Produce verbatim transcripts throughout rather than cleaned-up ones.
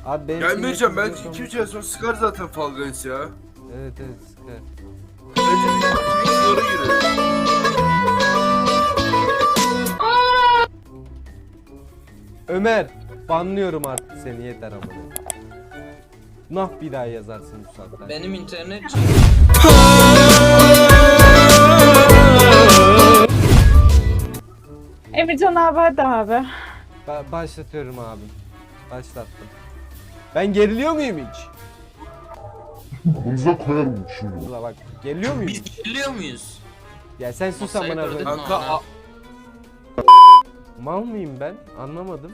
Abi benim Gelmeyeceğim, ben sinir iki üç ay sonra sıkar zaten Fall Guys ya. Evet evet sıkar. Bence bir iki sonra girelim. Ömer, banlıyorum artık seni, yeter amına. Nah bir daha yazarsın bu saatten. Benim internet Emircan abi hadi abi. Ba- başlatıyorum abim. Başlattım. Ben geriliyor muyum hiç? Aklınıza koyarım şimdi. Ula bak, geriliyor muyum biz hiç? biliyor muyuz? Ya sen sus Masayı amına kırdın koyayım. mı? Kanka a- Mal mıyım ben? Anlamadım.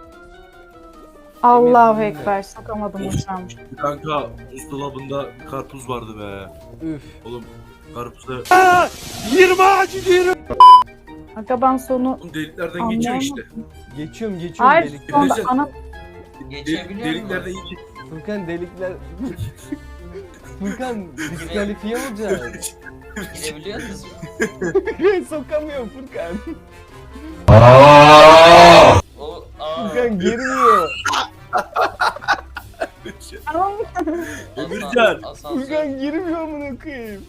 Allahu Emircan Ekber, sokamadım hocam. kanka buzdolabında karpuz vardı be. Üf. Oğlum karpuzda Aga ben sonu oğlum deliklerden geçiyor işte. Geçiyorum geçiyorum Hayır delikler. sonda Emircan- ana Geçebiliyor Deliklerden musun? iyi ki. Furkan delikler... Furkan diskalifiye olacak. Girebiliyor musun? Sokamıyorum Furkan. O aa. Furkan girmiyor. Tamam. Emircan. Asansör. Furkan girmiyor amına koyayım.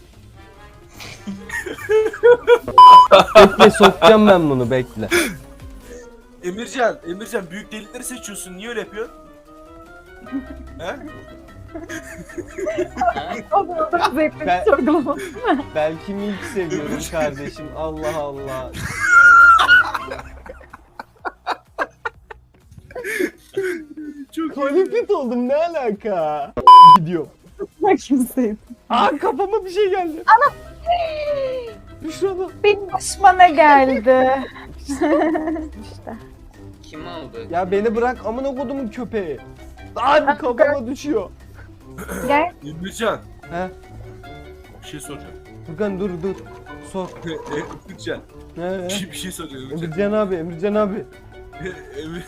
Bekle sokacağım ben bunu, bekle. Emircan, Emircan büyük delikleri seçiyorsun. Niye öyle yapıyorsun? He? O da o da zevkli Ben- bir sorgulama. Belki milk seviyorum kardeşim. Allah Allah. Çok Kolifit oldum, ne alaka? Gidiyorum. Ben kimseyim. Aa kafama bir şey geldi. Ana. Büşra'da. Benim başıma ne geldi? İşte. Kim aldı? Ya beni bırak amına kodumun köpeği. Lan kafama düşüyor. Gel. Emircan, He? bir şey soracağım. Furkan dur dur. Sor. Emircan, He, he. bir şey, bir şey soracağım Emircan. Emircan abi, Emircan abi. Emir...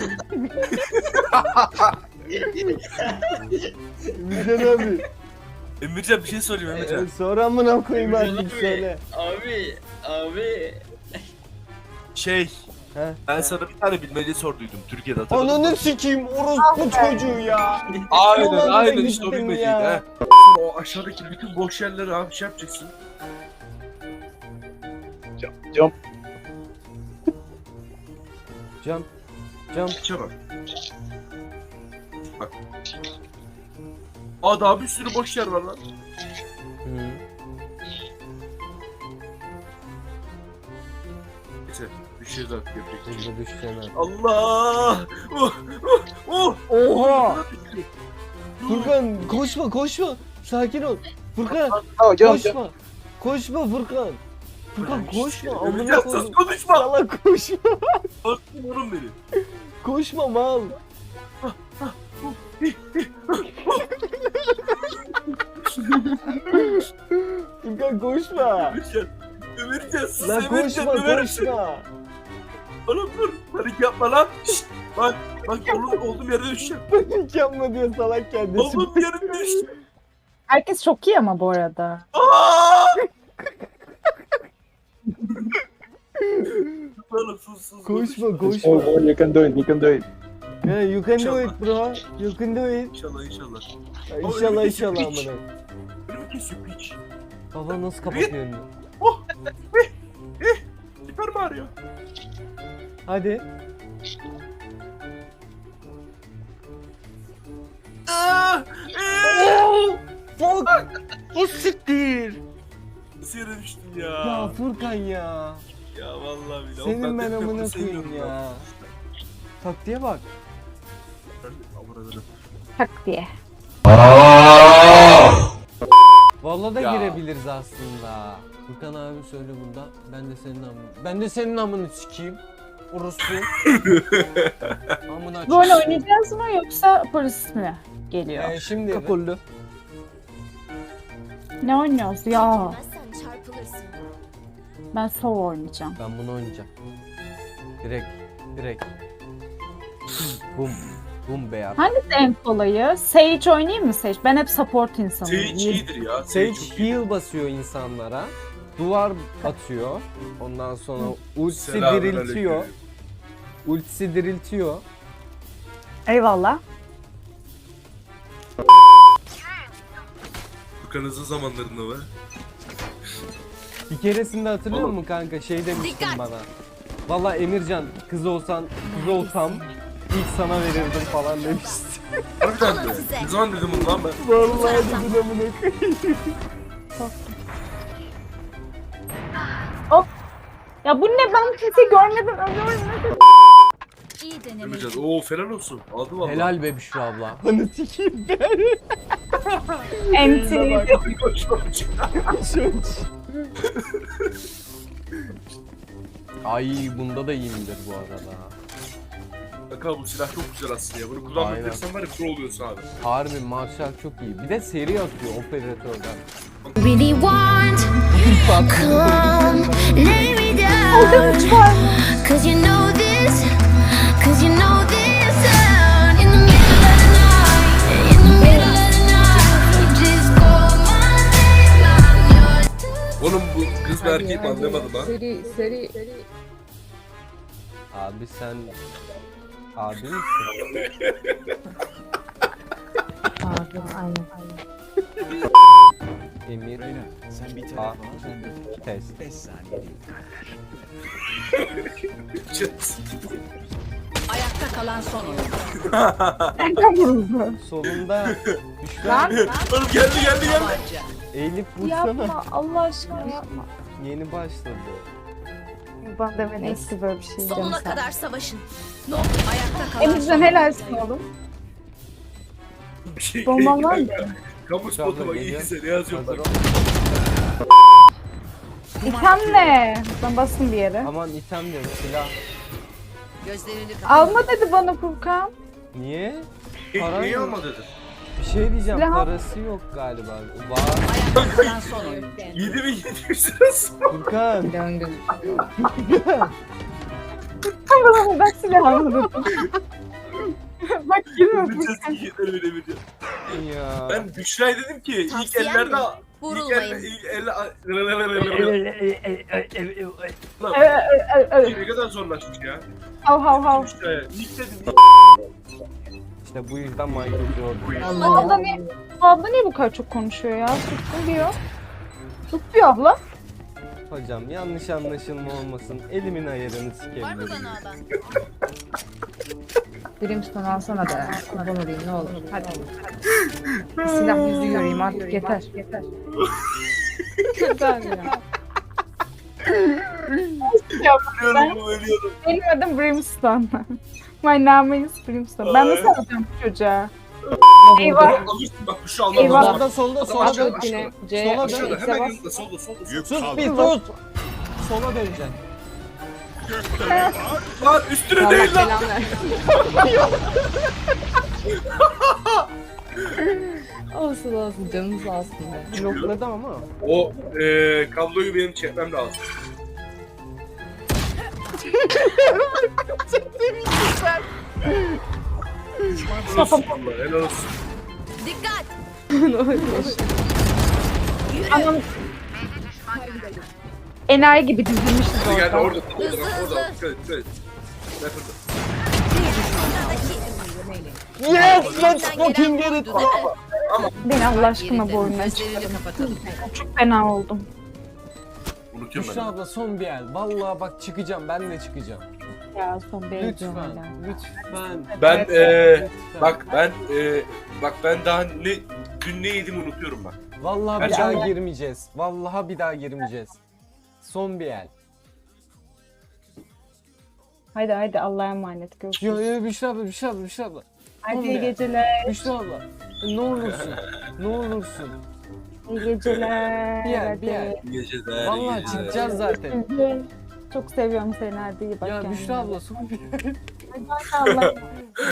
Emircan abi. Emircan bir şey sorayım Emircan. Ee, Sor amına koyayım Emircan artık abi. söyle. Abi, abi. Şey, He? ben sana bir tane bilmece sorduydum Türkiye'de, hatırladın mı? Ananı sikeyim orospu çocuğu ya. Aynen Ulan aynen ben işte o gittim bilmeceydi ya. ha. Sonra o aşağıdaki bütün boş yerleri abi şey yapacaksın. Cam. Cam. İçe bak. Bak. Aa daha bir sürü boş yer var lan. Hı. Neyse bir şey daha yapacak. bir şey. Burada düşeceğim abi. Allah! Oh! Oh! Oh! Oha! Furkan koşma koşma. Sakin ol. Furkan koşma. Koşma Furkan. Furkan koşma. Amına Emircan sus koydum. konuşma! Salak koşma. Korktum oğlum beni. Koşma mal. Furkan koşma. Emircan. Emircan sus Lan Emircan. koşma döverim seni. koşma. Oğlum dur. Panik yapma lan. Şşt! Bak bak oğlum olduğum yerde düşeceğim. Panik yapma diyor salak kendisi. Olduğum yerde düşeceğim. Herkes çok iyi ama bu arada. Aa! Oğlum sus sus. Koşma Oh, koşma. oh, you can do it, you can do it. Yeah, you can do İnşallah. it bro. You can do it. İnşallah inşallah. İnşallah inşallah Hiç. amına. Önümü kesiyor piç. Baba nasıl kapatıyor önünü? Süper Mario. Hadi. Aa! Eee! Fuck. O siktir. Nasıl yere düştüm Ya ya? Furkan ya. Ya vallahi billahi. Senin ben de amına bunu koyayım sevmiyorum ya. Taktiğe bak. Ben de avradım. Tak diye. Vallahi da Ya. girebiliriz aslında. Furkan abi söyle bunda. Ben de senin amını. Ben de senin amını sikeyim. Orospu. Amına Böyle çıksın. oynayacağız mı yoksa polis mi geliyor? Ee, şimdi kakullu. Ne oynuyoruz ya? Sen çarpılırsın. Ben Sov oynayacağım. Ben bunu oynayacağım. Direkt. Direkt. Bum. Bum be ya. Hangisi en kolayı? Sage oynayayım mı Sage? Ben hep support insanıyım. Sage iyidir ya. Sage çok iyi. heal basıyor insanlara. Duvar atıyor. Ondan sonra ultisi Selamünaleyküm. diriltiyor. Ultisi diriltiyor. Eyvallah. Furkan'ızın zamanlarında mı? Bir keresinde hatırlıyor Oğlum. musun kanka şey demiştin Dikkat. bana. Vallahi Emircan kız olsan kız olsam ilk sana verirdim falan demiştin. Harbiden Alın mi? size. Ne zaman dedim bunu lan ben? Vallahi dedim amına koyayım. Ya bu ne, ben kimseyi görmedim ölüyorum. İyi deneme. Emircan ooo falan olsun. Aldı valla. Helal be Büşra abla. Hani sikeyim ben. Enti. Koş koş. Ay bunda da iyiyimdir bu arada. Kanka bu silah çok güzel aslında ya. Bunu kullanmak Aynen. dersen var ya pro oluyorsun abi. Harbi Marshall çok iyi. Bir de seri atıyor operatörden. Really want, come lay me down. Cause you know this, cause you know this sound. In the middle of the night, in the middle of the night, you just call my name, I'm yours. Oğlum bu kız mı erkek mi anlamadım ha. Seri seri. Abi sen... Abi misin? Abi aynen. Emir. Sen bir A. telefona ben de Test. beş saniye değil. Çıt. Ayakta kalan son oyuncu. Solunda Büşra Lan Oğlum geldi geldi geldi. Tabanca. eğilip vursana. yapma Allah aşkına yapma. Yeni başladı. Ben de ben eski böyle bir şey diyeceğim Sonuna sana. kadar savaşın. No. Ayakta kalan Emircan son helalsin oyuncu. oğlum. Bir şey Bomban var mı? Kamu spotu bak iyiyse ne yazıyorlar. İtem ne? Ben bastım bir yere. Aman item diyorum silah. Gözlerini kapat. Alma dedi bana Furkan. Niye? Para Neyi yok. alma dedi? Bir şey diyeceğim Silah- parası yok galiba. Var. Ayakta kalan son oyuncu. yedi bin yedi yüz lirası. Furkan. Döngü. Bana ben silah almadım. Bak girme Bütün Furkan. sikiyetleri bile biliyor. Ya. Ben Büşra'ya dedim ki ilk Tavsiyem ellerde... mi? İlk Vurulmayın. elle... ilk elle... Lan Ö, ö, ö. ne kadar zorlaşmış ya. Hav hav hav. Büşra'ya. İlk dedim. İşte bu yüzden Michael Jordan. Bu abla niye, bu abla niye bu kadar çok konuşuyor ya? Sussun diyor. Sus diyor abla. Hocam yanlış anlaşılma olmasın. Elimin ayarını Var mı sikebilirim. bana adam? Brimstone alsana be. Kurban olayım ne olur. Hadi. Bir silah yüzü göreyim artık yeter. Yeter. Yeter ya. Ölüyorum ölüyorum. Benim adım Brimstone. My name is Brimstone. Ben nasıl alacağım bu çocuğa? Eyvah. Alırsın bak Büşra almam Eyvah. lazım. Solda solda solda Aşağıda, dön. Yine C. Sola Aşağıda dön. hemen yanında solda solda. Sus bir sus. Sola döneceksin. Lan üstüne Allah değil lan. belanı versin. Olsun olsun canınız sağ olsun be. Blokladım ama. O eee kabloyu benim çekmem lazım. Helal olsun vallahi, helal olsun. Dikkat. Anam. Enayi gibi dizilmişiz Hadi gel orada. orada orada Hızlı, bak, orada. hızlı. Dikkat et, dikkat et. Bak orada. Yes, let's fucking get it. Beni Allah aşkına bu oyundan Gözlerini çıkarın. kapatalım. Çok fena oldum. Unutuyorum Büşra ben. abla son bir el. Vallahi bak çıkacağım ben de çıkacağım. Ya son bir Lütfen. hala. Lütfen. Ben Evet. eee Lütfen. bak ben eee bak ben daha ne dün ne yedim unutuyorum bak. Vallahi bir Gerçekten. daha girmeyeceğiz. Vallahi bir daha girmeyeceğiz. Son bir el. Haydi haydi Allah'a emanet Yo görüşürüz. yo Büşra abla Büşra abla Büşra abla. Hadi son iyi bir el. geceler. Büşra abla. Ne olursun. Ne olursun. İyi geceler. Bir yer, hadi. bir yer. İyi geceler. iyi Vallahi geceler. çıkacağız zaten. Çok seviyorum seni, hadi iyi bak Ya kendine. Büşra abla son bir el. Hadi Allah.